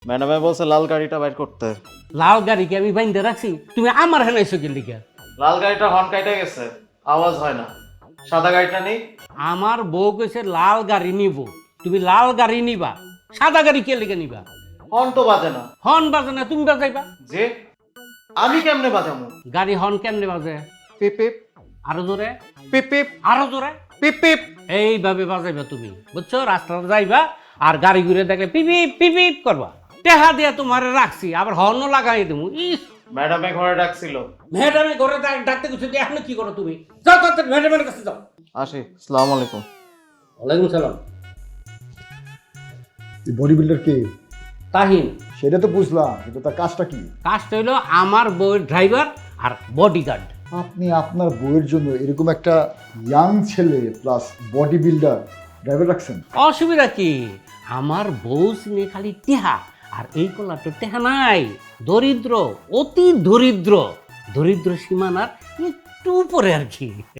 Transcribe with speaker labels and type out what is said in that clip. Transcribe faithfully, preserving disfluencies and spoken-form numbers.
Speaker 1: ম্যাডামে বলছে লাল গাড়িটা বাইর করতে।
Speaker 2: লাল গাড়িকে আমি বাইন্দে রাখছি, তুমি আমার হেনাইছো কি লিখা?
Speaker 1: লাল গাড়িটা হর্ন কাইটা গেছে, আওয়াজ হয় না। সাদা গাড়িটা নেই।
Speaker 2: আমার বউ কইছে লাল গাড়ি নিব, তুমি লাল গাড়ি নিবা, সাদা গাড়ি কে লিখে নিবা?
Speaker 1: হর্ন তো বাজে না।
Speaker 2: হর্ন বাজে না, তুমি বাজাইবা।
Speaker 1: যে আমি কেমনে বাজামু?
Speaker 2: গাড়ি হর্ন কেমনে বাজে?
Speaker 1: পিপ পিপ
Speaker 2: আরো জোরে,
Speaker 1: পিপ পিপ
Speaker 2: আরো জোরে,
Speaker 1: পিপ পিপ।
Speaker 2: এইভাবে বাজাইবা তুমি, বুঝছো? রাস্তাতে যাইবা আর গাড়ি ঘুরে দেখলে পিপিপ পিপিপ করবা। টেহা দিয়া তোমারে রাখছি, আবার হর্নও লাগাই দেবো। ইস,
Speaker 1: ম্যাডামে ঘরে ডাকছিল।
Speaker 2: ম্যাডামে ঘরে ডাক- ডাকতে গেছো, এখন কি করো তুমি? যাও তাড়াতাড়ি ম্যাডামের কাছে যাও।
Speaker 1: আসি, আসসালামু আলাইকুম।
Speaker 2: ওয়ালাইকুম সালাম।
Speaker 3: বডি বিল্ডার কে?
Speaker 2: তাহিন।
Speaker 3: সেটা তো বুঝলাম, কিন্তু তার কাজটা কি?
Speaker 2: কাজটা হইলো আমার বউয়ের ড্রাইভার আর বডিগার্ড।
Speaker 3: আপনি আপনার বইয়ের জন্য এরকম একটা ইয়াং ছেলে প্লাস বডি বিল্ডার ড্রাইভার রাখছেন?
Speaker 2: অসুবিধা কি? আমার বউ সিনে খালি টেহা, আর এই কলা তো টেহা নাই, দরিদ্র, অতি দরিদ্র, দরিদ্র সীমানার একটু উপরে আর কি।